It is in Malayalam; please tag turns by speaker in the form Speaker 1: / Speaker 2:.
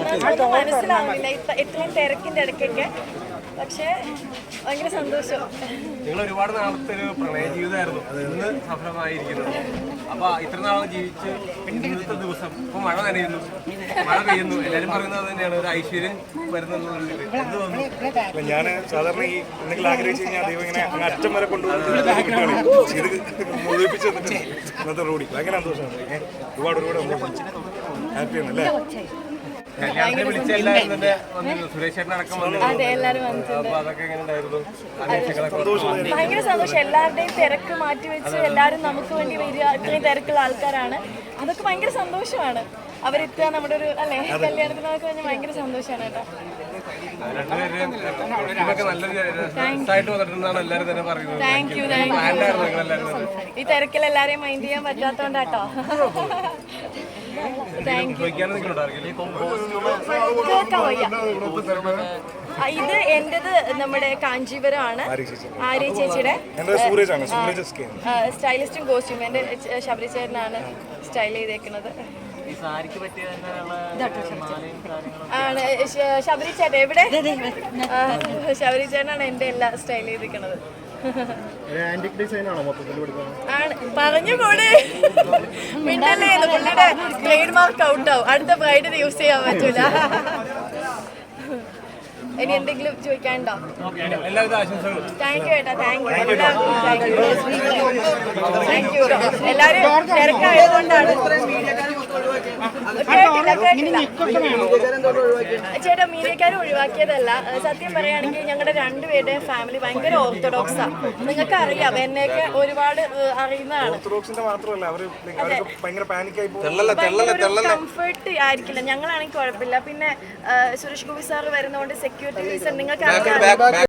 Speaker 1: ഒന്നും മനസ്സിലാവുന്നില്ല ഇത്രയും തിരക്കിന്റെ ഇടയ്ക്കൊക്കെ. പക്ഷേ ഭയങ്കര സന്തോഷം.
Speaker 2: നിങ്ങൾ ഒരുപാട് നാളത്തെ ഒരു പ്രണയ ജീവിതമായിരുന്നു, ഇന്ന് സഫലമായിരിക്കുന്നത്. അപ്പൊ ഇത്ര നാളെ ജീവിച്ച് ഇന്നത്തെ ദിവസം ഇപ്പൊ മഴ നനയുന്നു, മഴ പെയ്യുന്നു, എല്ലാരും പറയുന്നത് തന്നെയാണ് ഒരു ഐശ്വര്യം വരുന്നുള്ളത്. എന്ത് തോന്നുന്നു?
Speaker 3: ഞാൻ സാധാരണ ഈ എന്തെങ്കിലും ആഗ്രഹിച്ചു കഴിഞ്ഞാൽ ദൈവം ഇങ്ങനെ അങ്ങ് അറ്റം വരെ കൊണ്ടുപോകുന്നത് ഇത് മുഴുവിപ്പിച്ച് ഇന്നത്തെ റോഡി ഭയങ്കര സന്തോഷമാണ്. ഒരുപാട് ഹാപ്പിയാണ് അല്ലേ?
Speaker 2: വിളിച്ച എല്ലാവരും തന്നെ വന്നിരുന്നു, സുരേഷ് ചേട്ടൻ അടക്കം
Speaker 1: അതെ, എല്ലാരും വന്നിട്ടുണ്ട്.
Speaker 2: അപ്പൊ അതൊക്കെ എങ്ങനെ ഉണ്ടായിരുന്നു?
Speaker 1: ഭയങ്കര സന്തോഷം. എല്ലാവരുടെയും തിരക്ക് മാറ്റി വെച്ച് എല്ലാവരും നമുക്ക് വേണ്ടി വരിക. ഇത്രയും തിരക്കുള്ള ആൾക്കാരാണ്. അതൊക്കെ ഭയങ്കര സന്തോഷമാണ്. അവരെത്തുക നമ്മുടെ ഒരു അല്ലേ കല്യാണത്തിനൊക്കെ കഴിഞ്ഞാൽ ഭയങ്കര സന്തോഷമാണ് കേട്ടോ. Thank you. ഈ തിരക്കിൽ എല്ലാരെയും മൈൻഡ് ചെയ്യാൻ പറ്റാത്തോണ്ടാട്ടോ. ഇത് എന്റേത് നമ്മുടെ കാഞ്ചീപുരമാണ്. ആര്യ ചേച്ചിയുടെ സ്റ്റൈലിസ്റ്റും കോസ്റ്റ്യൂം എന്റെ ശബരി ചേട്ടനാണ് സ്റ്റൈൽ ചെയ്തേക്കുന്നത്. ആണ് ശബരി ചേട്ടൻ എവിടെ? ശബരി ചേട്ടനാണ് എന്റെ എല്ലാം സ്റ്റൈൽ ചെയ്തിരിക്കുന്നത്. ആണ് പറഞ്ഞു കൂടെ മിണ്ടല്ലേ, പുള്ളിയുടെ ട്രേഡ് മാർക്ക് ഔട്ട് ആവും. അടുത്ത ബ്രൈഡിന് യൂസ് ചെയ്യാൻ പറ്റൂല. ഇനി എന്തെങ്കിലും ചോദിക്കാനുണ്ടോ? താങ്ക് യു ഏട്ടാ. Thank you. എല്ലാരും തിരക്കായതുകൊണ്ടാണ്. ചേട്ടാ, മീഡിയക്കാരെ ഒഴിവാക്കിയതല്ല. സത്യം പറയുകയാണെങ്കിൽ ഞങ്ങളുടെ രണ്ടുപേരുടെയും ഫാമിലി ഭയങ്കര ഓർത്തഡോക്സാ. നിങ്ങൾക്ക് അറിയാം, എന്നെയൊക്കെ ഒരുപാട് അറിയുന്നതാണ്. കംഫർട്ട് ആയിരിക്കില്ല. ഞങ്ങളാണെങ്കിൽ കുഴപ്പമില്ല. പിന്നെ സുരേഷ് ഗോപി സാർ വരുന്നതുകൊണ്ട് സെക്യൂരിറ്റി റീസൺ നിങ്ങൾക്ക് അറിയാം.